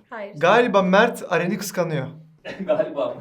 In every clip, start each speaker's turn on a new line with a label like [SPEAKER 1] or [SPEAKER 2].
[SPEAKER 1] Hayır.
[SPEAKER 2] Galiba Mert Aren'i kıskanıyor.
[SPEAKER 3] Galiba mı?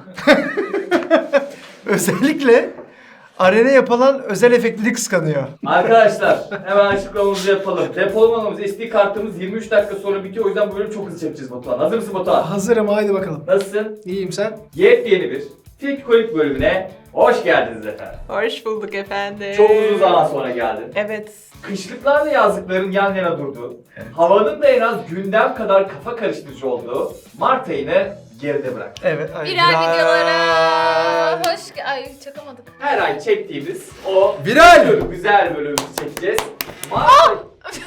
[SPEAKER 2] Özellikle Aren'e yapılan özel efektleri kıskanıyor.
[SPEAKER 3] Arkadaşlar hemen açıklamamızı yapalım. Depolamamız SD kartımız 23 dakika sonra bitiyor. O yüzden bu bölümü çok hızlı çekeceğiz Batuhan. Hazır mısın Batuhan?
[SPEAKER 4] Hazırım, haydi bakalım.
[SPEAKER 3] Nasılsın?
[SPEAKER 4] İyiyim, sen?
[SPEAKER 3] Yepyeni bir Filkolik bölümüne hoş geldiniz efendim.
[SPEAKER 1] Hoş bulduk efendim.
[SPEAKER 3] Çok uzun zaman sonra geldin.
[SPEAKER 1] Evet.
[SPEAKER 3] Kışlıklarla yazlıkların yan yana durduğu, havanın da en az gündem kadar kafa karıştırıcı olduğu Mart ayını geride bırak.
[SPEAKER 2] Evet.
[SPEAKER 5] Viral videolara hoş Ay çakamadık.
[SPEAKER 3] Her ay çektiğimiz o
[SPEAKER 2] Viral!
[SPEAKER 3] güzel bölümümüzü çekeceğiz. Mart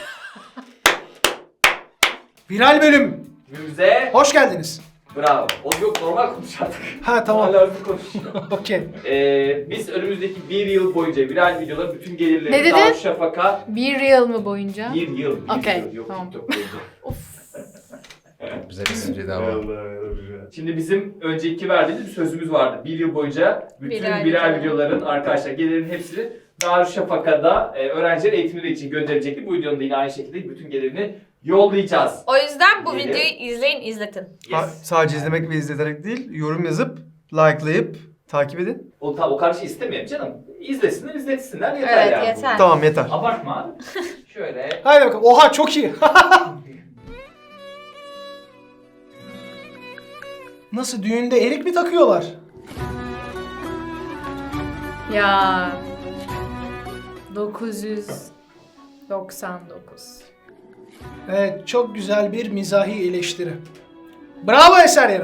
[SPEAKER 4] Viral bölüm.
[SPEAKER 3] ayımıze
[SPEAKER 4] Hoş geldiniz.
[SPEAKER 3] bravo. O yok normal konuş artık.
[SPEAKER 4] Ha tamam.
[SPEAKER 3] Hala hızlı konuşuyor.
[SPEAKER 4] Okey.
[SPEAKER 3] Biz önümüzdeki bir yıl boyunca viral videoların bütün
[SPEAKER 5] Ne
[SPEAKER 3] gelirlerini
[SPEAKER 5] dedin?
[SPEAKER 3] Darüşşafaka
[SPEAKER 5] Bir yıl mı boyunca?
[SPEAKER 3] bir yıl.
[SPEAKER 5] Okey,
[SPEAKER 3] Yıl, yok,
[SPEAKER 5] tamam.
[SPEAKER 3] TikTok boyunca.
[SPEAKER 5] Of.
[SPEAKER 6] Güzel espriydi ama.
[SPEAKER 3] Şimdi bizim önceki verdiğimiz bir sözümüz vardı. Bir yıl boyunca bütün
[SPEAKER 5] Viral
[SPEAKER 3] viral
[SPEAKER 5] videolar.
[SPEAKER 3] videoların arkadaşlar gelirin hepsini Darüşşafaka'da öğrenciler eğitimleri için gönderecektik. Bu videonun da yine aynı şekilde bütün gelirini yollayacağız.
[SPEAKER 5] O yüzden bu
[SPEAKER 3] Yedi.
[SPEAKER 5] videoyu izleyin, izletin.
[SPEAKER 2] Sadece izlemek ve izleterek değil, yorum yazıp, likelayıp, takip edin.
[SPEAKER 3] O kadar şey istemeyelim canım. İzlesinler, izletsinler yeter
[SPEAKER 5] Evet,
[SPEAKER 3] yani.
[SPEAKER 5] yeter.
[SPEAKER 2] Tamam yeter.
[SPEAKER 3] Abartma abi. Şöyle.
[SPEAKER 4] Haydi bakalım. Oha çok iyi. Nasıl, düğünde erik mi takıyorlar?
[SPEAKER 5] Ya 999.
[SPEAKER 4] Evet, çok güzel bir mizahi eleştiri. Bravo Eser Yener.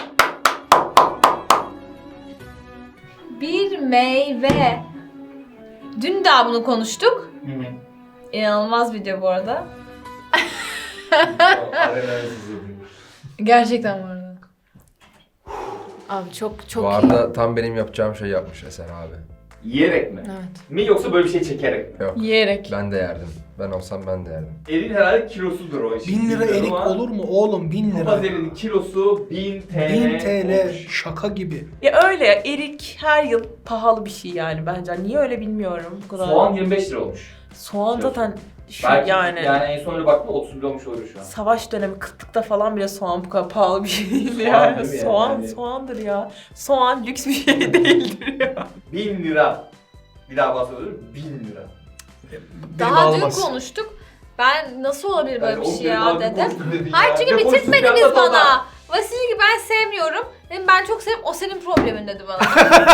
[SPEAKER 5] Bir meyve. Dün daha bunu konuştuk. İnanılmaz video bu arada. Gerçekten bu arada. Abi çok
[SPEAKER 6] Bu
[SPEAKER 5] iyi.
[SPEAKER 6] arada tam benim yapacağım şey yapmış Esen abi.
[SPEAKER 3] Yiyerek mi?
[SPEAKER 5] Evet.
[SPEAKER 3] Mi yoksa böyle bir şey çekerek mi?
[SPEAKER 6] Yok.
[SPEAKER 5] Yiyerek.
[SPEAKER 6] Ben de yerdim. Ben olsam ben de yerdim.
[SPEAKER 3] Erin herhalde kilosudur o işin.
[SPEAKER 4] 1000 lira
[SPEAKER 3] Bilmiyorum
[SPEAKER 4] erik
[SPEAKER 3] ama
[SPEAKER 4] olur mu oğlum, 1000 lira?
[SPEAKER 3] Papaz erinin kilosu 1000 TL.
[SPEAKER 4] 1000 TL
[SPEAKER 3] olmuş.
[SPEAKER 4] şaka gibi.
[SPEAKER 1] Ya öyle ya, erik her yıl pahalı bir şey yani bence. Niye öyle bilmiyorum bu kadar.
[SPEAKER 3] Soğan 25 lira olmuş.
[SPEAKER 1] Soğan zaten şu
[SPEAKER 3] Belki
[SPEAKER 1] yani.
[SPEAKER 3] en son öyle baktım 30 lira olmuş olur şu an.
[SPEAKER 1] Savaş dönemi kıtlıkta falan bile soğan bu kadar pahalı bir şey değil
[SPEAKER 3] Soğan
[SPEAKER 1] yani.
[SPEAKER 3] değil mi
[SPEAKER 1] Soğan,
[SPEAKER 3] yani?
[SPEAKER 1] soğandır ya. Soğan lüks bir şey değildir ya.
[SPEAKER 3] 1000 lira. Bir daha bahsediyorum 1000 lira.
[SPEAKER 2] Benim
[SPEAKER 5] Daha dün
[SPEAKER 2] ağlamaz.
[SPEAKER 5] konuştuk. Ben nasıl olabilir böyle bir
[SPEAKER 3] Yani
[SPEAKER 5] şey
[SPEAKER 3] o
[SPEAKER 5] ya
[SPEAKER 3] daha
[SPEAKER 5] dedim.
[SPEAKER 3] konuştuk dedin
[SPEAKER 5] Hayır
[SPEAKER 3] ya.
[SPEAKER 5] çünkü
[SPEAKER 3] Ne konuştuk
[SPEAKER 5] bitirtmediniz
[SPEAKER 3] ya, Batuhan?
[SPEAKER 5] bana. Vasili ben sevmiyorum. Dedim ben çok seviyorum. O senin problemin dedi bana.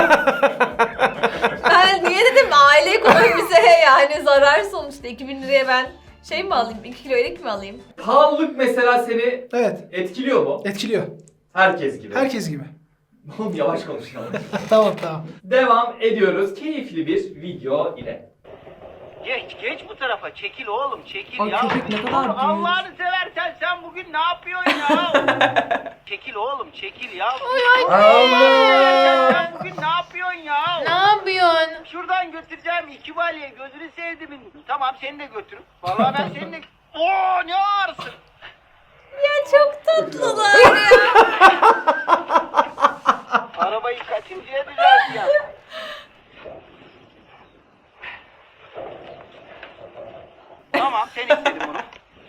[SPEAKER 5] Ben niye dedim aile ekonomisine yani zarar sonuçta. 2000 liraya ben şey mi alayım? 2 kilo erik mi alayım?
[SPEAKER 3] Pahalılık mesela seni
[SPEAKER 4] Evet,
[SPEAKER 3] etkiliyor mu?
[SPEAKER 4] etkiliyor.
[SPEAKER 3] Herkes gibi.
[SPEAKER 4] Herkes gibi.
[SPEAKER 3] Oğlum yavaş konuşalım.
[SPEAKER 4] Tamam tamam.
[SPEAKER 3] Devam ediyoruz keyifli bir video ile.
[SPEAKER 7] Geç bu tarafa. Çekil oğlum, çekil
[SPEAKER 1] Ay
[SPEAKER 7] ya.
[SPEAKER 1] köpek ne kadar büyük.
[SPEAKER 7] Allah'ını seversen sen bugün ne yapıyorsun ya? Çekil oğlum, çekil ya.
[SPEAKER 6] Allah!
[SPEAKER 7] Sen bugün ne yapıyorsun ya?
[SPEAKER 5] Ne yapıyorsun?
[SPEAKER 7] Şuradan götüreceğim 2 balya, gözünü sevdimin. Tamam seni de götürün. Vallahi ben seni de... Oo ne ağırsın.
[SPEAKER 5] Ya çok tatlılar ya.
[SPEAKER 7] Arabayı kaçıncıya düzelteceğim? Tamam sen istedin bunu.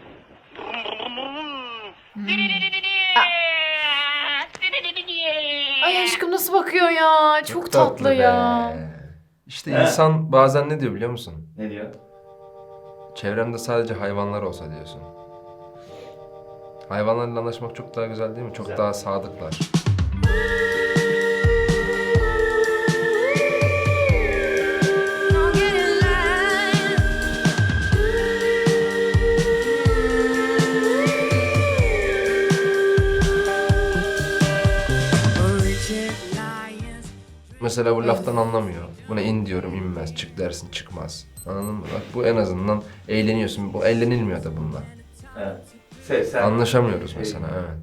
[SPEAKER 5] Ay aşkım nasıl bakıyor ya? Çok tatlı
[SPEAKER 6] be.
[SPEAKER 5] ya.
[SPEAKER 6] İşte
[SPEAKER 3] He.
[SPEAKER 6] insan bazen ne diyor biliyor musun?
[SPEAKER 3] Ne diyor?
[SPEAKER 6] Çevremde sadece hayvanlar olsa diyorsun. Hayvanlarla anlaşmak çok daha güzel değil mi? Çok
[SPEAKER 3] Güzel.
[SPEAKER 6] daha sadıklar. Mesela bu laftan anlamıyor. Buna in diyorum inmez, çık dersin çıkmaz. Anladın mı? Bak bu en azından eğleniyorsun. Bu eğlenilmiyor da bununla.
[SPEAKER 3] Evet. Sen.
[SPEAKER 6] Anlaşamıyoruz mesela evet.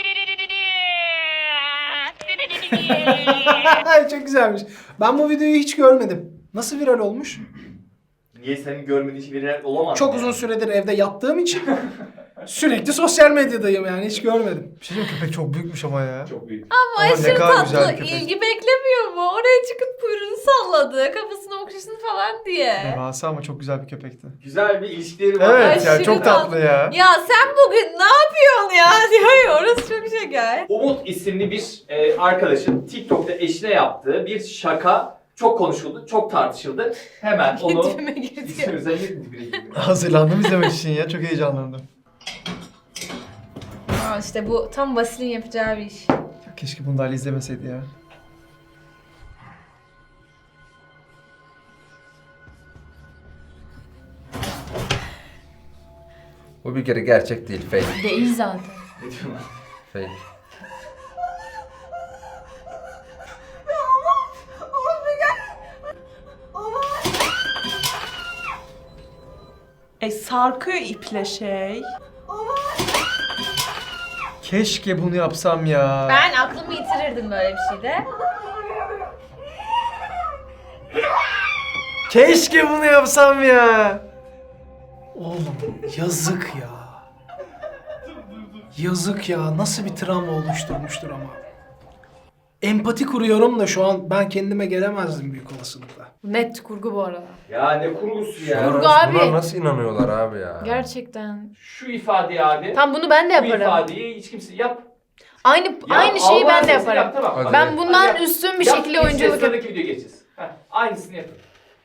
[SPEAKER 4] Ay çok güzelmiş. Ben bu videoyu hiç görmedim. Nasıl viral olmuş?
[SPEAKER 3] Niye senin görmediğin şey viral olamaz?
[SPEAKER 4] Çok
[SPEAKER 3] mı
[SPEAKER 4] uzun
[SPEAKER 3] yani?
[SPEAKER 4] süredir evde yattığım için Sürekli sosyal medyadayım yani hiç görmedim.
[SPEAKER 2] Bir şey diyeyim, köpek çok büyükmüş ama ya.
[SPEAKER 3] Çok büyük.
[SPEAKER 5] Ama
[SPEAKER 2] ne
[SPEAKER 5] aşırı
[SPEAKER 2] kadar güzel
[SPEAKER 5] tatlı.
[SPEAKER 2] bir köpek.
[SPEAKER 5] İlgi beklemiyor mu? Oraya çıkıp kuyruğunu salladı. Kafasını okşasın falan diye.
[SPEAKER 2] Devasa ama çok güzel bir köpekti.
[SPEAKER 3] Güzel bir ilişkileri var.
[SPEAKER 2] Evet ya
[SPEAKER 5] Aşırı
[SPEAKER 2] çok tatlı ya.
[SPEAKER 5] Ya sen bugün ne yapıyorsun ya diyor ya, orası çok şeker.
[SPEAKER 3] Umut isimli bir arkadaşın TikTok'ta eşine yaptığı bir şaka çok konuşuldu, çok tartışıldı. Hemen onu
[SPEAKER 5] Dibime girdi.
[SPEAKER 3] İsmimize dibine girdi.
[SPEAKER 2] Hazırlandım izlemek için ya, çok heyecanlandım.
[SPEAKER 5] Aa, işte bu tam Vasil'in yapacağı bir iş.
[SPEAKER 2] Keşke bunu da Ali izlemeseydi ya.
[SPEAKER 6] Bu bir kere gerçek değil, fake.
[SPEAKER 5] Değil zaten.
[SPEAKER 3] Ne diyorsun lan?
[SPEAKER 6] Fake.
[SPEAKER 1] Sarkıyor iple şey.
[SPEAKER 2] Keşke bunu yapsam ya.
[SPEAKER 5] Ben aklımı yitirirdim böyle bir şeyde.
[SPEAKER 2] Keşke bunu yapsam ya.
[SPEAKER 4] Oğlum yazık ya. Yazık ya. Nasıl bir travma oluşturmuştur ama. Empati kuruyorum da şu an ben kendime gelemezdim büyük olasılıkla.
[SPEAKER 5] Net kurgu bu arada.
[SPEAKER 3] Ya ne kurgusu ya.
[SPEAKER 5] Kurgu abi.
[SPEAKER 6] Buna nasıl inanıyorlar abi ya?
[SPEAKER 5] Gerçekten.
[SPEAKER 3] Şu ifadeyi abi.
[SPEAKER 5] Tam bunu ben de
[SPEAKER 3] Bu
[SPEAKER 5] yaparım.
[SPEAKER 3] ifadeyi hiç kimse yap.
[SPEAKER 5] Aynı
[SPEAKER 3] Ya,
[SPEAKER 5] şeyi ben de
[SPEAKER 3] Allah sesini
[SPEAKER 5] yaparım.
[SPEAKER 3] Yap, tamam.
[SPEAKER 6] Hadi.
[SPEAKER 5] Ben bundan
[SPEAKER 3] Hadi yap.
[SPEAKER 5] üstün bir
[SPEAKER 3] Yap,
[SPEAKER 5] şekilde
[SPEAKER 3] geçeceğiz,
[SPEAKER 5] oyunculuk yapıyorum.
[SPEAKER 3] Sıradaki videoya geçeceğiz. Heh, aynısını yapın.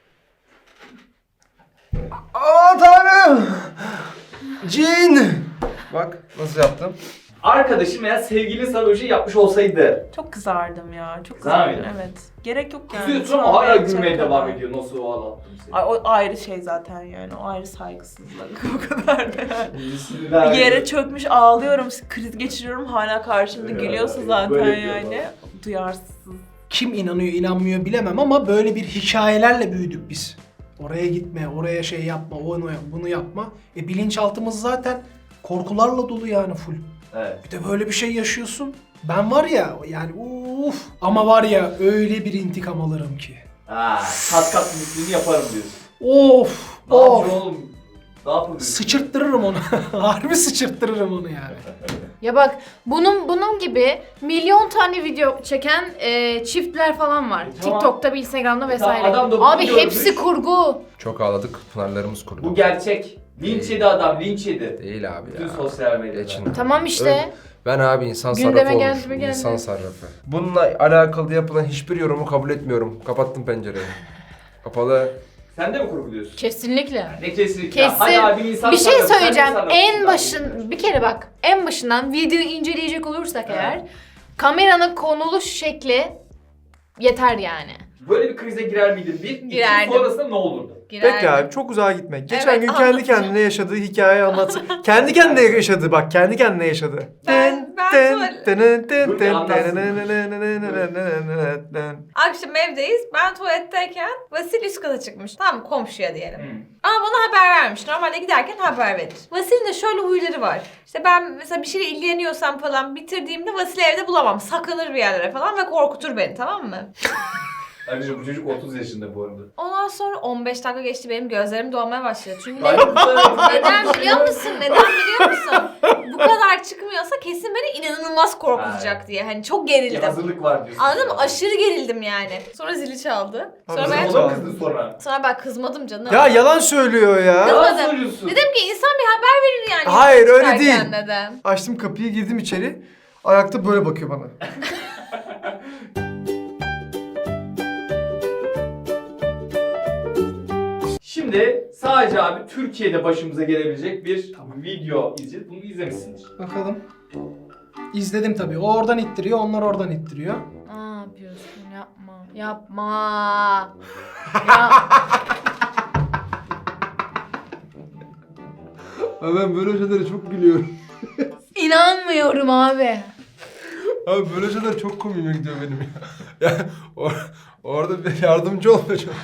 [SPEAKER 2] Aman tanrım. Cin.
[SPEAKER 6] Bak nasıl yaptım?
[SPEAKER 3] Arkadaşım veya sevgilin sana öyle şey yapmış olsaydı.
[SPEAKER 1] Çok kızardım ya. Çok
[SPEAKER 3] Kızar
[SPEAKER 1] kızardım.
[SPEAKER 3] mıydın?
[SPEAKER 1] Evet. Gerek yok yani.
[SPEAKER 3] Kızıyorsun ama hala gülmeye devam ediyor. Nasıl o ağlattım seni.
[SPEAKER 1] Ay, o ayrı şey zaten yani. O ayrı saygısızlık. O kadar da yani.
[SPEAKER 3] İyisinden-
[SPEAKER 1] Yere çökmüş ağlıyorum, kriz geçiriyorum. Hala karşımda
[SPEAKER 3] Evet,
[SPEAKER 1] gülüyorsa
[SPEAKER 3] evet,
[SPEAKER 1] zaten
[SPEAKER 3] böyle
[SPEAKER 1] yani.
[SPEAKER 3] yapıyorlar.
[SPEAKER 1] Duyarsız.
[SPEAKER 4] Kim inanıyor inanmıyor bilemem ama böyle bir hikayelerle büyüdük biz. Oraya gitme, oraya şey yapma, onu yap, bunu yapma. Bilinçaltımız zaten korkularla dolu yani full.
[SPEAKER 3] Evet.
[SPEAKER 4] Bir de böyle bir şey yaşıyorsun. Ben var ya yani ama var ya öyle bir intikam alırım ki.
[SPEAKER 3] Ha, kat kat mislini yaparım diyorsun.
[SPEAKER 4] Of
[SPEAKER 3] Ne
[SPEAKER 4] of.
[SPEAKER 3] yapacaksın oğlum? Ne yapıyorsun?
[SPEAKER 4] Sıçırttırırım onu. Harbi sıçırttırırım onu yani.
[SPEAKER 5] Ya bak bunun gibi milyon tane video çeken çiftler falan var.
[SPEAKER 3] Tamam.
[SPEAKER 5] TikTok'ta, Instagram'da vesaire.
[SPEAKER 3] adam da bunu
[SPEAKER 5] Abi
[SPEAKER 3] görmüş.
[SPEAKER 5] hepsi kurgu.
[SPEAKER 6] Çok ağladık, pınarlarımız kurudu.
[SPEAKER 3] Bu gerçek. Linç yedi adam, linç yedi.
[SPEAKER 6] Değil abi
[SPEAKER 3] Bütün
[SPEAKER 6] ya.
[SPEAKER 3] sosyal medyada.
[SPEAKER 6] Geçin.
[SPEAKER 5] Tamam işte.
[SPEAKER 6] Ben abi insan
[SPEAKER 5] Gündeme
[SPEAKER 6] sarrafı
[SPEAKER 5] geldi
[SPEAKER 6] olmuşum.
[SPEAKER 5] mi geldi.
[SPEAKER 6] İnsan sarrafı. Bununla alakalı yapılan hiçbir yorumu kabul etmiyorum. Kapattım pencereyi. Kapalı.
[SPEAKER 3] Sen de mi kurguluyorsun?
[SPEAKER 5] Kesinlikle.
[SPEAKER 3] Ne kesinlikle.
[SPEAKER 5] Kesin.
[SPEAKER 3] Hadi abi insan
[SPEAKER 5] Bir şey
[SPEAKER 3] sarrafı, sen de
[SPEAKER 5] söyleyeceğim.
[SPEAKER 3] sarrafsın
[SPEAKER 5] En
[SPEAKER 3] abi.
[SPEAKER 5] başın bir kere bak. En başından videoyu inceleyecek olursak eğer kameranın konuluş şekli yeter yani.
[SPEAKER 3] Böyle bir krize girer miydin? Bir, iki
[SPEAKER 5] Girerdim.
[SPEAKER 3] sonrasında ne olurdu?
[SPEAKER 2] Peki abi çok uzağa gitme. Geçen
[SPEAKER 5] Evet,
[SPEAKER 2] gün kendi
[SPEAKER 5] anlatacağım.
[SPEAKER 2] kendine yaşadığı hikayeyi anlatsın. Kendi kendine yaşadı bak, kendi kendine yaşadı.
[SPEAKER 5] Ben akşam evdeyiz. Ben tuvaletteyken Vasil üst kata çıkmış. Tamam, komşuya diyelim. Ama bana haber vermiş. Normalde giderken haber verir. Vasil'in de şöyle huyları var. İşte ben mesela bir şeyle ilgileniyorsam falan bitirdiğimde Vasil'i evde bulamam. Saklanır bir yerlere falan ve korkutur beni, tamam mı?
[SPEAKER 3] Ayrıca bu çocuk 30 yaşında bu arada.
[SPEAKER 5] Ondan sonra 15 dakika geçti, benim gözlerim dolmaya başladı. Çünkü
[SPEAKER 3] Ay,
[SPEAKER 5] neden biliyor musun? Neden biliyor musun? Bu kadar çıkmıyorsa kesin beni inanılmaz korkutacak diye. Hani çok
[SPEAKER 3] Bir
[SPEAKER 5] gerildim.
[SPEAKER 3] hazırlık var diyorsun.
[SPEAKER 5] Anladın mı? Aşırı gerildim yani. Sonra zili çaldı. Sonra
[SPEAKER 2] Abi,
[SPEAKER 5] ben
[SPEAKER 2] zil
[SPEAKER 3] Ona mı kızdın sonra?
[SPEAKER 5] sonra ben kızmadım canım.
[SPEAKER 2] Ya yalan söylüyor ya.
[SPEAKER 3] Yalan
[SPEAKER 5] Kızmadım.
[SPEAKER 3] söylüyorsun.
[SPEAKER 5] Dedim ki insan bir haber verir yani.
[SPEAKER 2] Hayır, öyle
[SPEAKER 5] çıkarken
[SPEAKER 2] değil.
[SPEAKER 5] Dedim.
[SPEAKER 2] Açtım kapıyı, girdim içeri. Ayakta böyle bakıyor bana.
[SPEAKER 3] Şimdi sadece abi Türkiye'de başımıza gelebilecek bir video izleyeceğiz. Bunu izlemişsindir.
[SPEAKER 4] Bakalım. İzledim tabii. O oradan ittiriyor, onlar oradan ittiriyor.
[SPEAKER 5] Ne yapıyorsun? Yapma. Yapma. Ya,
[SPEAKER 6] Ben böyle şeylere çok gülüyorum.
[SPEAKER 5] inanmıyorum abi.
[SPEAKER 6] Abi böyle şeyler çok komiğime gidiyor benim ya. Ya orada bir yardımcı olmaya çalışıyorum.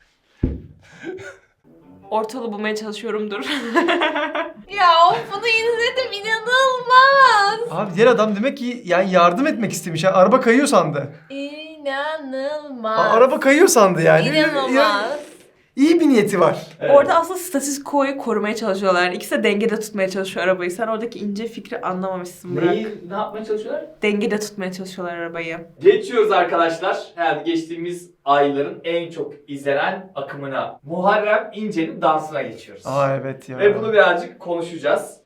[SPEAKER 1] Ortalığı bulmaya çalışıyorumdur.
[SPEAKER 5] Ya of, bunu izledim, inanılmaz.
[SPEAKER 2] Abi diğer adam demek ki yani yardım etmek istemiş. Yani araba kayıyor sandı.
[SPEAKER 5] İnanılmaz.
[SPEAKER 2] Araba kayıyor sandı yani.
[SPEAKER 5] İnanılmaz.
[SPEAKER 2] İyi bir niyeti var.
[SPEAKER 3] Evet.
[SPEAKER 1] Orada aslında statükoyu korumaya çalışıyorlar. Yani ikisi de dengede tutmaya çalışıyor arabayı. Sen oradaki ince fikri anlamamışsın Burak.
[SPEAKER 3] Ne yapmaya çalışıyorlar?
[SPEAKER 1] Dengede tutmaya çalışıyorlar arabayı.
[SPEAKER 3] Geçiyoruz arkadaşlar. Herhalde geçtiğimiz ayların en çok izlenen akımına. Muharrem İnce'nin dansına geçiyoruz.
[SPEAKER 2] Aa evet ya.
[SPEAKER 3] Ve bunu birazcık konuşacağız.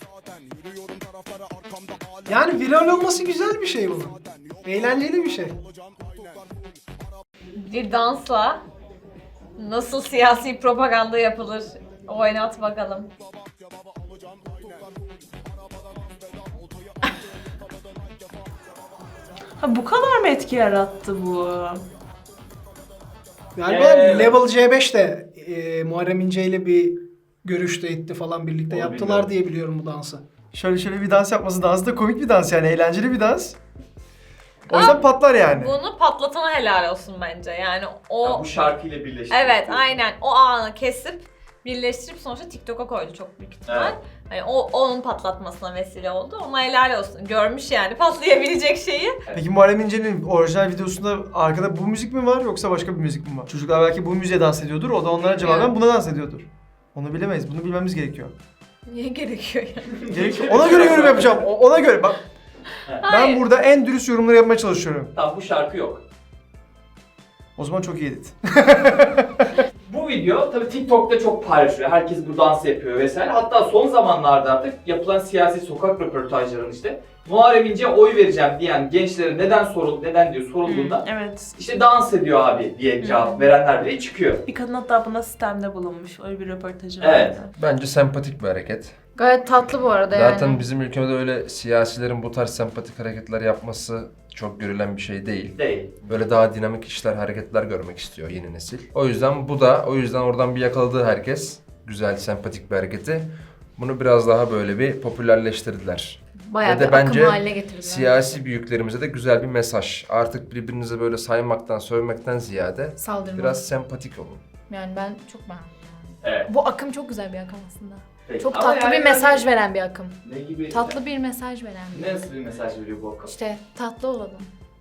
[SPEAKER 4] Yani viral olması güzel bir şey bu. Eğlenceli bir şey.
[SPEAKER 5] Bir dansla nasıl siyasi propaganda yapılır? Oynat bakalım.
[SPEAKER 1] Ha bu kadar mı etki yarattı bu?
[SPEAKER 4] Galiba Level C5 de Muharrem İnce ile bir görüşte etti falan birlikte
[SPEAKER 3] Onu
[SPEAKER 4] yaptılar
[SPEAKER 3] bilmiyorum.
[SPEAKER 4] diye biliyorum bu dansı.
[SPEAKER 2] Şöyle bir dans yapması, dans da komik bir dans yani, eğlenceli bir dans. O yüzden patlar yani.
[SPEAKER 5] Bunu patlatana helal olsun bence. Yani o...
[SPEAKER 3] Ya bu şarkıyla birleşti.
[SPEAKER 5] Evet aynen o anı kesip birleştirip sonuçta TikTok'a koydu çok büyük ihtimal.
[SPEAKER 3] Evet.
[SPEAKER 5] Hani onun patlatmasına vesile oldu. Ona helal olsun. Görmüş yani patlayabilecek şeyi.
[SPEAKER 2] Peki Muharrem İnce'nin orijinal videosunda arkada bu müzik mi var yoksa başka bir müzik mi var? Çocuklar belki bu müziğe dans ediyordur, o da onlara cevaben buna dans ediyordur. Onu bilemeyiz, bunu bilmemiz gerekiyor.
[SPEAKER 5] Niye gerekiyor yani?
[SPEAKER 2] Gerekiyor. Ona göre yorum yapacağım, ona göre bak.
[SPEAKER 5] Hayır.
[SPEAKER 2] Ben burada en dürüst yorumları yapmaya çalışıyorum.
[SPEAKER 3] Tamam bu şarkı yok.
[SPEAKER 2] O zaman çok iyi edit.
[SPEAKER 3] Bu video tabii TikTok'ta çok paylaşılıyor. Herkes bu dansı yapıyor vesaire. Hatta son zamanlarda artık yapılan siyasi sokak röportajlarının işte Muharrem İnce'ye oy vereceğim diyen gençlere neden diyor sorulduğunda
[SPEAKER 1] Evet.
[SPEAKER 3] işte dans ediyor abi diye cevap verenler bile çıkıyor.
[SPEAKER 1] Bir kadın hatta buna sistemde bulunmuş. Öyle bir röportajı
[SPEAKER 3] Evet.
[SPEAKER 1] vardı.
[SPEAKER 6] Bence sempatik bir hareket.
[SPEAKER 8] Gayet tatlı bu arada
[SPEAKER 6] Zaten bizim ülkemizde öyle siyasilerin bu tarz sempatik hareketler yapması çok görülen bir şey değil.
[SPEAKER 3] Değil.
[SPEAKER 6] Böyle daha dinamik işler, hareketler görmek istiyor yeni nesil. O yüzden oradan bir yakaladığı herkes güzel, sempatik bir hareketi. Bunu biraz daha böyle bir popülerleştirdiler.
[SPEAKER 8] Bayağı
[SPEAKER 6] Ve de
[SPEAKER 8] bir akım
[SPEAKER 6] bence
[SPEAKER 8] haline getirdiler.
[SPEAKER 6] Siyasi büyüklerimize de güzel bir mesaj. Artık birbirinize böyle saymaktan, sövmekten ziyade
[SPEAKER 8] Saldırma.
[SPEAKER 6] biraz sempatik olun.
[SPEAKER 8] Yani ben çok beğendim.
[SPEAKER 3] Evet.
[SPEAKER 8] Bu akım çok güzel bir akım aslında.
[SPEAKER 3] Peki.
[SPEAKER 8] Çok
[SPEAKER 3] Ama
[SPEAKER 8] tatlı
[SPEAKER 3] yani
[SPEAKER 8] bir mesaj veren bir akım.
[SPEAKER 3] Ne gibi?
[SPEAKER 8] Tatlı bir mesaj veren bir akım.
[SPEAKER 3] Nasıl bir mesaj veriyor bu akım?
[SPEAKER 8] İşte tatlı olalım.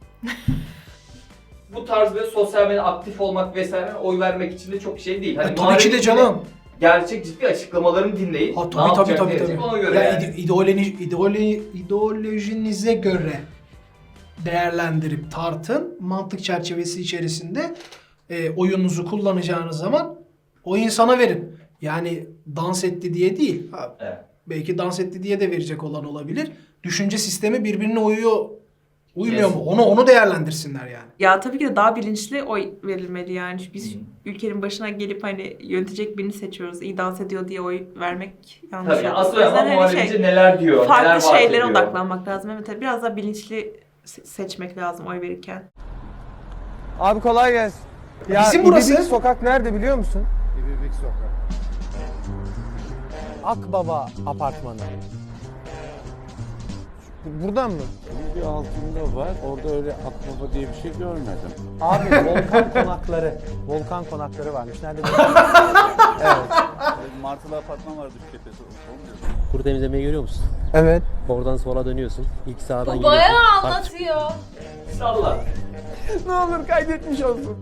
[SPEAKER 3] Bu tarz böyle sosyal medyada aktif olmak vesaire oy vermek için de çok şey değil. Hani
[SPEAKER 4] Tabii ki
[SPEAKER 3] Muharrem
[SPEAKER 4] de
[SPEAKER 3] İnce'nin
[SPEAKER 4] canım.
[SPEAKER 3] Gerçek ciddi açıklamalarını dinleyip
[SPEAKER 4] Ha,
[SPEAKER 3] ne
[SPEAKER 4] tabii
[SPEAKER 3] yapacak,
[SPEAKER 4] tabii
[SPEAKER 3] ne edecek
[SPEAKER 4] tabii.
[SPEAKER 3] ona göre
[SPEAKER 4] Ya
[SPEAKER 3] yani.
[SPEAKER 4] ideolojinize göre değerlendirip tartın. Mantık çerçevesi içerisinde oyunuzu kullanacağınız zaman o insana verin. Yani dans etti diye değil. Ha,
[SPEAKER 3] Evet.
[SPEAKER 4] belki dans etti diye de verecek olan olabilir. Düşünce sistemi birbirine uymuyor
[SPEAKER 3] Yes.
[SPEAKER 4] mu? Onu değerlendirsinler yani.
[SPEAKER 1] Ya tabii ki de daha bilinçli oy verilmeli yani. Çünkü biz ülkenin başına gelip hani yönetecek birini seçiyoruz. İyi dans ediyor diye oy vermek yanlış.
[SPEAKER 3] Tabii
[SPEAKER 1] yani.
[SPEAKER 3] asıl
[SPEAKER 1] O yüzden
[SPEAKER 3] ama
[SPEAKER 1] hani
[SPEAKER 3] Muharrem İnce neler diyor, neler
[SPEAKER 1] farklı
[SPEAKER 3] vaat
[SPEAKER 1] şeylere
[SPEAKER 3] ediyor.
[SPEAKER 1] odaklanmak lazım. Evet tabii biraz daha bilinçli seçmek lazım oy verirken.
[SPEAKER 9] Abi kolay gelsin. Ya
[SPEAKER 4] Bizim burası.
[SPEAKER 9] İbibik Sokak nerede biliyor musun? İbibik Sokak. Akbaba Apartmanı. Buradan mı?
[SPEAKER 10] Bir altında var. Orada öyle akbaba diye bir şey görmedim.
[SPEAKER 9] Abi Volkan Konakları. Volkan Konakları varmış. Nerede? Evet.
[SPEAKER 10] Martılı apartman var Düşkepesi.
[SPEAKER 11] Kuru temizlemeyi görüyor musun?
[SPEAKER 9] Evet.
[SPEAKER 11] Oradan sola dönüyorsun. İlk sağdan
[SPEAKER 5] Bu bayağı
[SPEAKER 11] giriyorsun.
[SPEAKER 5] anlatıyor.
[SPEAKER 3] Salla.
[SPEAKER 9] Ne olur kaydetmiş olsun.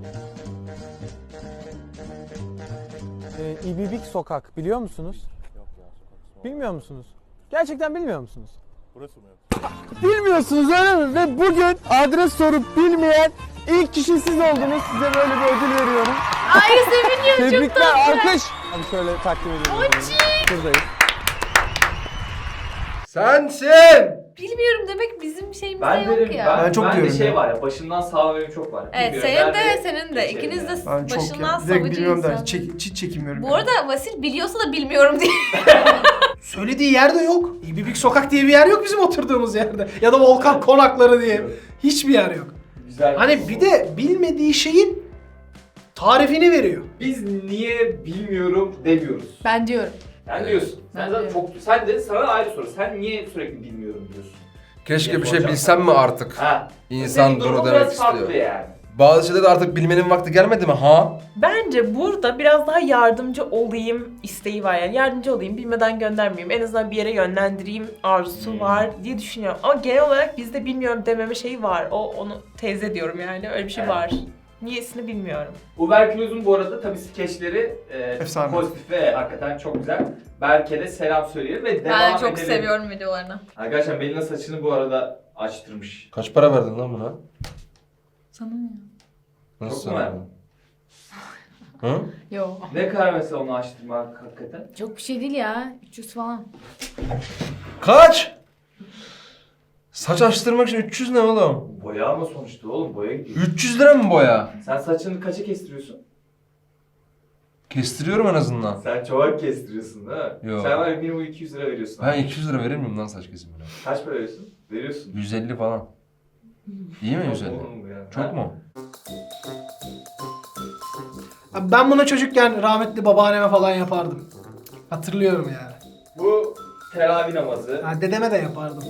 [SPEAKER 9] İbibik Sokak biliyor musunuz?
[SPEAKER 10] Yok ya sokak.
[SPEAKER 9] Bilmiyor musunuz? Gerçekten bilmiyor musunuz?
[SPEAKER 10] Burası mı?
[SPEAKER 9] Bilmiyorsunuz öyle mi? Ve bugün adres sorup bilmeyen ilk kişi siz oldunuz. Size böyle bir ödül veriyorum.
[SPEAKER 5] Ay seviniyorum çok
[SPEAKER 9] Tebrikler,
[SPEAKER 5] tatlı.
[SPEAKER 9] alkış. Abi şöyle takdim ediyorum. Buradayız.
[SPEAKER 6] Sensin!
[SPEAKER 5] Bilmiyorum demek bizim şeyimizde
[SPEAKER 3] Ben
[SPEAKER 5] yok
[SPEAKER 3] derim,
[SPEAKER 5] ya.
[SPEAKER 2] Ben çok
[SPEAKER 3] de
[SPEAKER 2] diyorum
[SPEAKER 3] şey
[SPEAKER 2] ya.
[SPEAKER 3] var ya, başından sağ benim çok var.
[SPEAKER 5] Evet
[SPEAKER 3] Bilmiyorum,
[SPEAKER 5] senin
[SPEAKER 3] ben
[SPEAKER 5] de senin de
[SPEAKER 3] geçerim
[SPEAKER 5] ikiniz de
[SPEAKER 3] yani.
[SPEAKER 2] Ben çok
[SPEAKER 5] başından
[SPEAKER 2] direkt
[SPEAKER 5] savcı
[SPEAKER 2] bilmiyorum da
[SPEAKER 5] insan.
[SPEAKER 2] hiç çekinmiyorum.
[SPEAKER 5] Bu arada Vasil biliyorsa da bilmiyorum diye.
[SPEAKER 4] Söylediği yerde yok. İbibik Sokak diye bir yer yok bizim oturduğumuz yerde. Ya da Volkan Konakları diye. Hiçbir yer yok.
[SPEAKER 3] Güzel.
[SPEAKER 4] Hani bir de bilmediği şeyin tarifini veriyor.
[SPEAKER 3] Biz niye bilmiyorum demiyoruz.
[SPEAKER 8] Ben diyorum.
[SPEAKER 3] Sen diyorsun. Sen
[SPEAKER 8] Ben
[SPEAKER 3] zaten
[SPEAKER 8] diyorum.
[SPEAKER 3] sen de sana ayrı soru. Sen niye sürekli bilmiyorum diyorsun?
[SPEAKER 6] Keşke
[SPEAKER 3] Niye
[SPEAKER 6] bir şey
[SPEAKER 3] soracağım?
[SPEAKER 6] bilsem mi artık?
[SPEAKER 3] Ha.
[SPEAKER 6] İnsan
[SPEAKER 3] Senin
[SPEAKER 6] bunu
[SPEAKER 3] durumun
[SPEAKER 6] demek
[SPEAKER 3] biraz farklı
[SPEAKER 6] istiyor.
[SPEAKER 3] yani.
[SPEAKER 6] Bazı şeyleri de artık bilmenin vakti gelmedi mi ha?
[SPEAKER 1] Bence burada biraz daha yardımcı olayım isteği var yani. Yardımcı olayım, bilmeden göndermeyeyim. En azından bir yere yönlendireyim arzusu var diye düşünüyorum. Ama genel olarak bizde bilmiyorum dememe şeyi var. Onu teyze diyorum yani. Öyle bir şey
[SPEAKER 3] Evet.
[SPEAKER 1] var. Niyesini bilmiyorum.
[SPEAKER 3] Uberküloz'un bu arada tabii skeçleri
[SPEAKER 2] Efsane.
[SPEAKER 3] pozitif ve hakikaten çok güzel. Berke de selam söyleyelim ve devam
[SPEAKER 5] Ben çok
[SPEAKER 3] edelim.
[SPEAKER 5] seviyorum videolarını.
[SPEAKER 3] Arkadaşlar Melina saçını bu arada açtırmış.
[SPEAKER 6] Kaç para verdin lan buna?
[SPEAKER 8] Sana mı ya?
[SPEAKER 3] Çok mu verdin?
[SPEAKER 6] Hı?
[SPEAKER 8] Yo.
[SPEAKER 3] Ne kadar mesela onu açtırmak hakikaten?
[SPEAKER 8] Çok bir şey değil ya. 300 falan.
[SPEAKER 6] Kaç? Saç açtırmak için 300 ne oğlum?
[SPEAKER 3] Boya ama sonuçta oğlum boya gidiyor.
[SPEAKER 6] 300 lira mı boya?
[SPEAKER 3] Sen saçını kaça kestiriyorsun?
[SPEAKER 6] Kestiriyorum en azından.
[SPEAKER 3] Sen çoğak kestiriyorsun değil mi?
[SPEAKER 6] Yok.
[SPEAKER 3] Sen var ya minimum 200 lira veriyorsun.
[SPEAKER 6] Ben 200 lira verir miyim lan saç kesimine?
[SPEAKER 3] Kaç para veriyorsun? Veriyorsun.
[SPEAKER 6] 150 falan. İyi mi
[SPEAKER 3] Çok
[SPEAKER 6] 150?
[SPEAKER 3] oğlum bu ya.
[SPEAKER 6] Çok
[SPEAKER 3] Ha?
[SPEAKER 6] mu?
[SPEAKER 4] Abi ben bunu çocukken rahmetli babaanneme falan yapardım. Hatırlıyorum yani.
[SPEAKER 3] Bu teravih namazı.
[SPEAKER 4] Ha, dedeme de yapardım.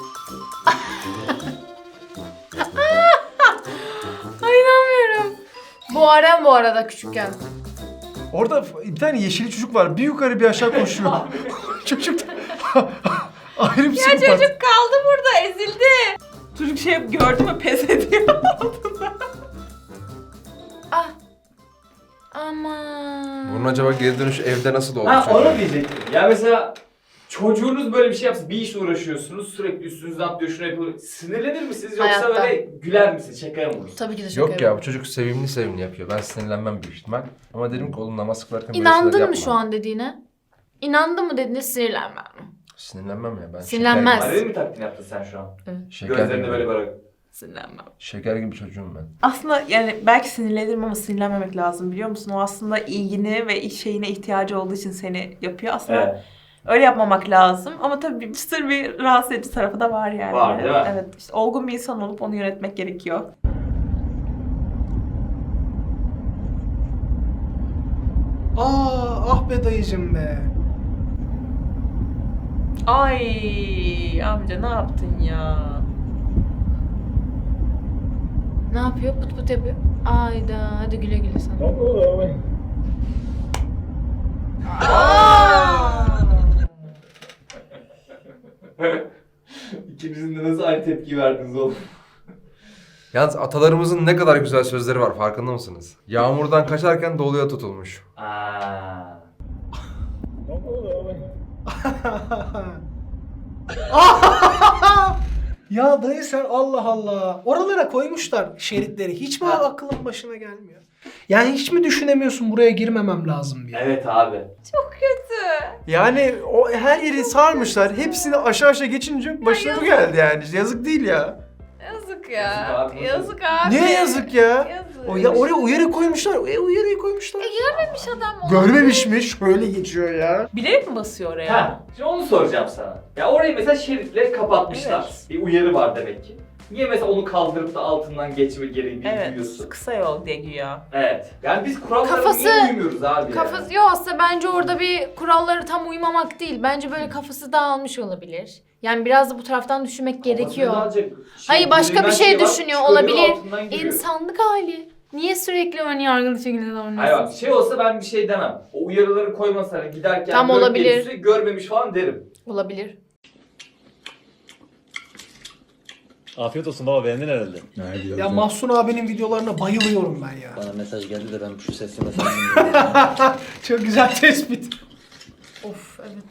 [SPEAKER 8] Ay inanmıyorum. Bu Arem bu arada küçükken.
[SPEAKER 2] Orada bir tane yeşili çocuk var. Bir yukarı bir aşağı koşuyor. Çocuk ayrı bir
[SPEAKER 5] Ya
[SPEAKER 2] psikopat.
[SPEAKER 5] çocuk kaldı burada, ezildi.
[SPEAKER 1] Çocuk şey gördü mü pes ediyor.
[SPEAKER 8] Ah. Aman.
[SPEAKER 6] Bunun acaba geri dönüş evde nasıl oldu?
[SPEAKER 3] Ha onu diyecektim. Ya mesela çocuğunuz böyle bir şey yapsa, bir işle uğraşıyorsunuz, sürekli üstünüzden atlıyor, şunu yapıyor. Sinirlenir misiniz yoksa
[SPEAKER 8] Hayatta.
[SPEAKER 3] böyle güler misiniz, şakaya mı vurursunuz?
[SPEAKER 8] Tabii ki de çok
[SPEAKER 6] Yok ya bu çocuk sevimli yapıyor. Ben sinirlenmem büyük ihtimal. Ama dedim ki oğlum namaz kılarken böyle şeyler
[SPEAKER 8] İnandın
[SPEAKER 6] yapma.
[SPEAKER 8] mı şu an dediğine? İnandın mı dediğine sinirlenmem.
[SPEAKER 6] Sinirlenmem ya ben.
[SPEAKER 8] Sinirlenmez.
[SPEAKER 3] Alev mi taklidini yaptın sen şu an?
[SPEAKER 6] Şeker
[SPEAKER 3] Gözlerinde
[SPEAKER 6] gibi.
[SPEAKER 3] böyle
[SPEAKER 1] Sinirlenmem.
[SPEAKER 6] Şeker gibi çocuğum ben.
[SPEAKER 1] Aslında yani belki sinirlenirim ama sinirlenmemek lazım biliyor musun? O aslında ilgini ve iş şeyine ihtiyacı olduğu için seni yapıyor. Aslında
[SPEAKER 3] Evet.
[SPEAKER 1] öyle yapmamak lazım. Ama tabii bir sır bir rahatsız edici tarafı da var yani.
[SPEAKER 3] Var, değil mi?
[SPEAKER 1] Evet. İşte olgun bir insan olup onu yönetmek gerekiyor.
[SPEAKER 4] Ah be dayıcım be.
[SPEAKER 1] Ay amca ne yaptın ya?
[SPEAKER 8] Ne yapıyor? Pıt pıt yapıyor. Ayda hadi güle güle sana.
[SPEAKER 3] İkinizin de nasıl aynı tepki verdiniz oğlum?
[SPEAKER 6] Yalnız atalarımızın ne kadar güzel sözleri var farkında mısınız? Yağmurdan kaçarken doluya tutulmuş.
[SPEAKER 3] Aa.
[SPEAKER 4] Ya dayı sen Allah Allah. Oralara koymuşlar şeritleri. Hiç mi aklın başına gelmiyor? Yani hiç mi düşünemiyorsun buraya girmemem lazım diye?
[SPEAKER 3] Evet abi.
[SPEAKER 5] Çok kötü.
[SPEAKER 2] Yani o her yeri sarmışlar. Hepsini aşağı geçince başına bu geldi yani. Yazık değil ya.
[SPEAKER 5] Yazık
[SPEAKER 3] Yazık
[SPEAKER 5] ya.
[SPEAKER 3] abi.
[SPEAKER 5] Yazık abi.
[SPEAKER 2] Niye yazık ya?
[SPEAKER 5] Yazık.
[SPEAKER 2] O ya oraya uyarı koymuşlar. Uyarıyı koymuşlar.
[SPEAKER 5] Görmemiş adam onu.
[SPEAKER 2] Görmemiş mi? Şöyle geçiyor ya.
[SPEAKER 1] Bilerek mi basıyor oraya?
[SPEAKER 3] Ha, şimdi onu soracağım sana. Ya orayı mesela şeritle kapatmışlar.
[SPEAKER 1] Evet.
[SPEAKER 3] Bir uyarı var demek ki. Niye mesela onu kaldırıp da altından geçme gereği
[SPEAKER 1] Evet.
[SPEAKER 3] duyuyorsun?
[SPEAKER 1] Kısa yol diye güya.
[SPEAKER 3] Evet. Yani biz kurallara
[SPEAKER 8] Kafası-
[SPEAKER 3] niye uymuyoruz abi
[SPEAKER 8] Kafası yok aslında bence orada bir kurallara tam uymamak değil. Bence böyle kafası dağılmış olabilir. Yani biraz da bu taraftan düşünmek gerekiyor. Hayır başka bir şey düşünüyor olabilir. İnsanlık hali. Niye sürekli ön yargılı şekilde
[SPEAKER 3] Hayır
[SPEAKER 8] davranıyorsun?
[SPEAKER 3] bak şey olsa ben bir şey demem. O uyarıları koymasana giderken
[SPEAKER 8] Tam
[SPEAKER 3] görüp
[SPEAKER 8] olabilir.
[SPEAKER 3] gelirse görmemiş falan derim.
[SPEAKER 8] Olabilir.
[SPEAKER 11] Afiyet olsun baba, beğendin herhalde.
[SPEAKER 4] Ya Mahsun abinin videolarına bayılıyorum ben ya.
[SPEAKER 11] Bana mesaj geldi de ben şu sesli mesajını
[SPEAKER 4] Çok güzel tespit.
[SPEAKER 8] Of evet.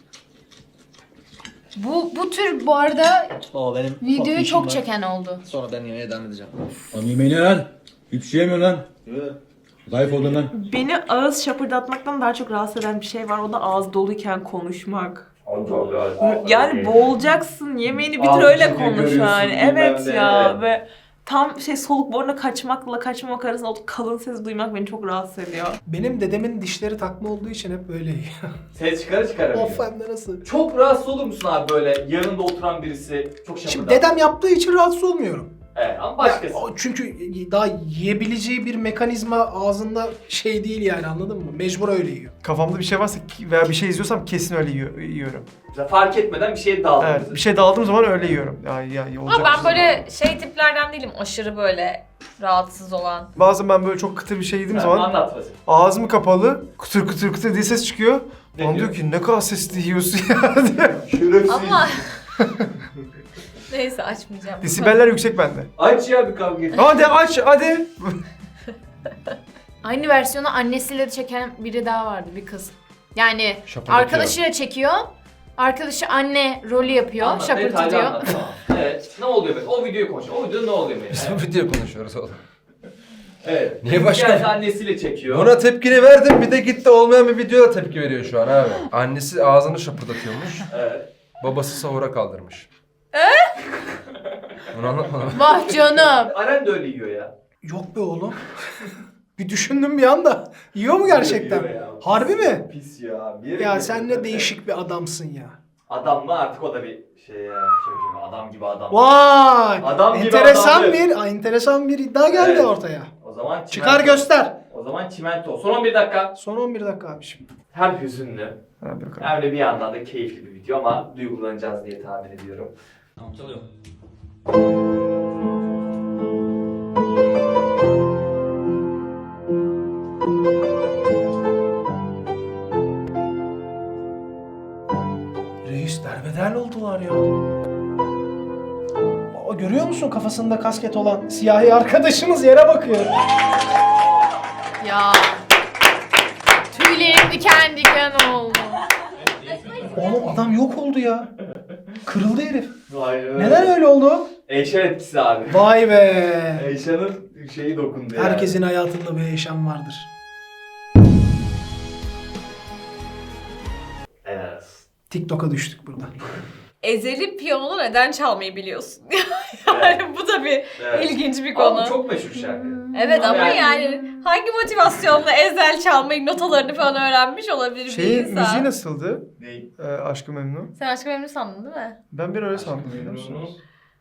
[SPEAKER 8] Bu tür bu arada
[SPEAKER 11] O benim
[SPEAKER 8] videoyu çok çeken oldu.
[SPEAKER 11] Sonra ben yemeğe devam edeceğim.
[SPEAKER 10] Lan yemeği ne lan? Hiçbir şey yemiyor lan. Zayıf oldun lan.
[SPEAKER 1] Beni ağız şapırdatmaktan daha çok rahatsız eden bir şey var. O da ağız doluyken konuşmak. Yani boğulacaksın. Yemeğini bitir
[SPEAKER 3] Ağzı
[SPEAKER 1] öyle
[SPEAKER 3] çünkü
[SPEAKER 1] konuş
[SPEAKER 3] görüyorsun,
[SPEAKER 1] yani.
[SPEAKER 3] bilmem
[SPEAKER 1] Evet
[SPEAKER 3] ne.
[SPEAKER 1] ya ve tam şey soluk boruna kaçmakla kaçmamak arasında o kalın ses duymak beni çok rahatsız ediyor.
[SPEAKER 4] Benim dedemin dişleri takma olduğu için hep böyle.
[SPEAKER 3] Ses çıkaramıyor.
[SPEAKER 4] Of hem de nasıl?
[SPEAKER 3] Çok rahatsız olur musun abi böyle yanında oturan birisi çok şapırdan?
[SPEAKER 4] Şimdi dedem yaptığı için rahatsız olmuyorum.
[SPEAKER 3] Evet ama başkası.
[SPEAKER 4] Ya, çünkü daha yiyebileceği bir mekanizma ağzında şey değil yani, anladın mı? Mecbur öyle yiyor.
[SPEAKER 2] Kafamda bir şey varsa veya bir şey izliyorsam kesin öyle yiyorum.
[SPEAKER 3] Mesela fark etmeden bir şeye daldınız.
[SPEAKER 2] Evet, bir şey daldığım zaman öyle yiyorum.
[SPEAKER 5] Ama ben böyle şey tiplerden değilim. Aşırı böyle rahatsız olan.
[SPEAKER 2] Bazen ben böyle çok kıtır bir şey yediğim zaman
[SPEAKER 3] Anlat mesela.
[SPEAKER 2] ağzım kapalı, kıtır kıtır kıtır diye ses çıkıyor.
[SPEAKER 3] Ne
[SPEAKER 2] Bana
[SPEAKER 3] diyor?
[SPEAKER 2] diyor ki ne kadar sesli yiyorsun ya diye.
[SPEAKER 3] Şerefsiz.
[SPEAKER 5] Ama neyse açmayacağım.
[SPEAKER 2] Desibeller yüksek bende.
[SPEAKER 3] Aç ya bir kavga et.
[SPEAKER 2] Hadi aç hadi.
[SPEAKER 8] Aynı versiyonu annesiyle de çeken biri daha vardı, bir kız. Yani
[SPEAKER 6] Şapırdatıyor.
[SPEAKER 8] arkadaşıyla çekiyor. Arkadaşı anne rolü yapıyor,
[SPEAKER 3] Anlat, detaylı
[SPEAKER 8] şapırtıyor.
[SPEAKER 3] anlat, tamam. Evet. Ne oluyor mesela? O videoyu konuş. O videoda ne oluyor mesela?
[SPEAKER 6] Biz bu video konuşuyoruz oğlum.
[SPEAKER 3] Evet.
[SPEAKER 6] Niye başka-
[SPEAKER 3] Geldi annesiyle çekiyor.
[SPEAKER 6] Buna tepkini verdim, bir de gitti olmayan bir videoda tepki veriyor şu an abi. Annesi ağzını şapırdatıyormuş.
[SPEAKER 3] Evet.
[SPEAKER 6] Babası sahura kaldırmış. Bunu anlatmadım.
[SPEAKER 8] Vah canım.
[SPEAKER 3] Aren de öyle yiyor ya.
[SPEAKER 4] Yok be oğlum. Bir düşündüm bir anda. Yiyor mu gerçekten?
[SPEAKER 3] Yiyor ya.
[SPEAKER 4] Harbi mi?
[SPEAKER 3] Pis ya. Bir yere
[SPEAKER 4] Ya
[SPEAKER 3] gidiyor.
[SPEAKER 4] sen ne değişik bir adamsın ya.
[SPEAKER 3] Adam mı artık o da bir şey ya. Çocuğum adam gibi adam.
[SPEAKER 4] Vay!
[SPEAKER 3] Adam gibi
[SPEAKER 4] enteresan
[SPEAKER 3] adamdı.
[SPEAKER 4] enteresan bir iddia geldi
[SPEAKER 3] Evet.
[SPEAKER 4] ortaya.
[SPEAKER 3] O zaman
[SPEAKER 4] Çıkar göster.
[SPEAKER 3] O zaman çimento. Son 11 dakika.
[SPEAKER 4] Son 11 dakika abiciğim.
[SPEAKER 3] Hem hüzünlü
[SPEAKER 2] Hadi bakalım.
[SPEAKER 3] hem de bir yandan da keyifli bir video ama duygulanacağız diye tahmin ediyorum.
[SPEAKER 11] Tamam çalıyor.
[SPEAKER 4] Reis derbeder oldular ya. Baba görüyor musun kafasında kasket olan siyahi arkadaşımız yere bakıyor.
[SPEAKER 8] Ya. Tüylerim diken diken oldu.
[SPEAKER 4] Oğlum adam yok oldu ya. Kırıldı herif.
[SPEAKER 3] Vay be.
[SPEAKER 4] Neden öyle oldu?
[SPEAKER 3] Eyşan etkisi abi.
[SPEAKER 4] Vay be.
[SPEAKER 3] Eyşan'ın şeyi dokundu yani.
[SPEAKER 4] Herkesin hayatında bir yaşam vardır.
[SPEAKER 3] Evet.
[SPEAKER 4] TikTok'a düştük burada.
[SPEAKER 5] Ezeli piyano neden çalmayı biliyorsun? Yani bu da bir
[SPEAKER 3] Evet.
[SPEAKER 5] ilginç bir
[SPEAKER 3] Ama
[SPEAKER 5] konu.
[SPEAKER 3] bu çok meşhur şarkı.
[SPEAKER 5] Evet ama
[SPEAKER 3] Yani-
[SPEAKER 5] yani hangi motivasyonla ezel çalmayı, notalarını falan öğrenmiş olabilir bir
[SPEAKER 2] Şeyin
[SPEAKER 5] insan?
[SPEAKER 2] müziği nasıldı?
[SPEAKER 3] Ney?
[SPEAKER 2] Aşk-ı Memnu.
[SPEAKER 5] Sen Aşk-ı Memnu sandın değil mi?
[SPEAKER 2] Ben bir öyle sandım biliyor musun?
[SPEAKER 3] Memnunuz.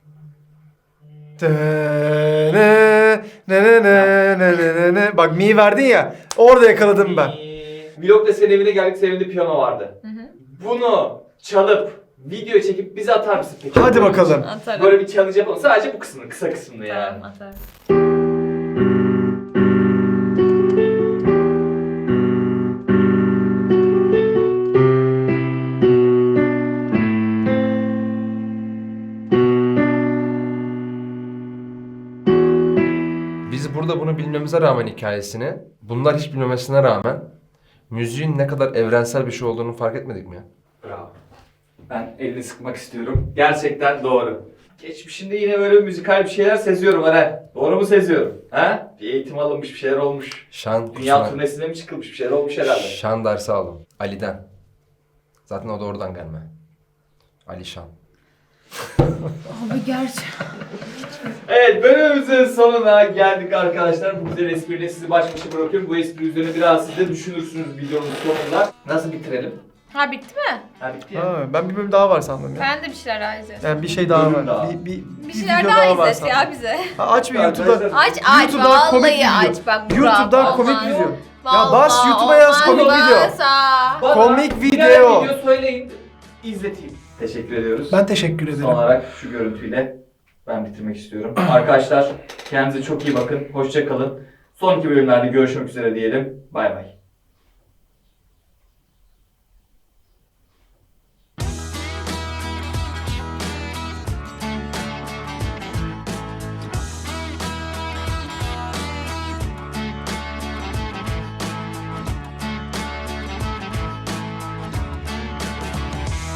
[SPEAKER 2] Bak mi verdin ya. Orada yakaladım ben.
[SPEAKER 3] Vlog'da senin evine geldik, senin evinde piyano vardı.
[SPEAKER 5] Hı hı.
[SPEAKER 3] Bunu çalıp video çekip bize atar mısın peki?
[SPEAKER 2] Hadi bakalım.
[SPEAKER 5] Atarım.
[SPEAKER 3] Böyle bir challenge yapalım. Sadece bu kısmını, kısa kısmını yani.
[SPEAKER 5] Tamam atarım.
[SPEAKER 6] Biz burada bunu bilmemize rağmen hikayesini, bunlar hiç bilmemesine rağmen müziğin ne kadar evrensel bir şey olduğunu fark etmedik mi ya?
[SPEAKER 3] Bravo. Ben elini sıkmak istiyorum. Gerçekten doğru. Geçmişinde yine böyle müzikal bir şeyler seziyorum Eren. Doğru mu seziyorum? Ha? Bir eğitim alınmış, bir şeyler olmuş.
[SPEAKER 6] Şan
[SPEAKER 3] Dünya
[SPEAKER 6] kursuna,
[SPEAKER 3] turnesine mi çıkılmış, bir şeyler olmuş herhalde.
[SPEAKER 6] şan dersi aldım. Ali'den. Zaten o da oradan gelme. Ali Şan.
[SPEAKER 8] Abi gerçekten.
[SPEAKER 3] Evet, bölümümüzün sonuna geldik arkadaşlar. Bu güzel espriyle sizi baş başa bırakıyorum. Bu espri üzerine biraz siz de düşünürsünüz videonun sonunda. Nasıl bitirelim?
[SPEAKER 5] Ha bitti mi?
[SPEAKER 3] Ha bitti ya.
[SPEAKER 2] Ha, ben bir bölüm daha var sandım ya.
[SPEAKER 5] Ben de bir şeyler daha izledim.
[SPEAKER 2] Yani bir şey daha
[SPEAKER 3] Bölüm
[SPEAKER 2] var.
[SPEAKER 3] daha.
[SPEAKER 2] Bir
[SPEAKER 5] Bir şeyler
[SPEAKER 2] video
[SPEAKER 5] daha
[SPEAKER 2] var
[SPEAKER 5] izlet ya
[SPEAKER 2] sandım.
[SPEAKER 5] bize.
[SPEAKER 2] Ha, aç bir YouTube'da.
[SPEAKER 3] Arkadaşlar,
[SPEAKER 5] Aç
[SPEAKER 2] YouTube'dan komik
[SPEAKER 5] vallahi
[SPEAKER 2] video.
[SPEAKER 5] aç bak.
[SPEAKER 2] YouTube'dan
[SPEAKER 5] Burak,
[SPEAKER 2] komik
[SPEAKER 5] olmaz.
[SPEAKER 2] video. Ya bas YouTube'a yaz komik video.
[SPEAKER 3] Bana
[SPEAKER 2] Komik
[SPEAKER 3] birer
[SPEAKER 2] video.
[SPEAKER 3] video söyleyin, izleteyim. Teşekkür ediyoruz.
[SPEAKER 4] Ben teşekkür ederim.
[SPEAKER 3] Son olarak şu görüntüyle ben bitirmek istiyorum. Arkadaşlar kendinize çok iyi bakın. Hoşça kalın. Sonraki bölümlerde görüşmek üzere diyelim. Bay bay.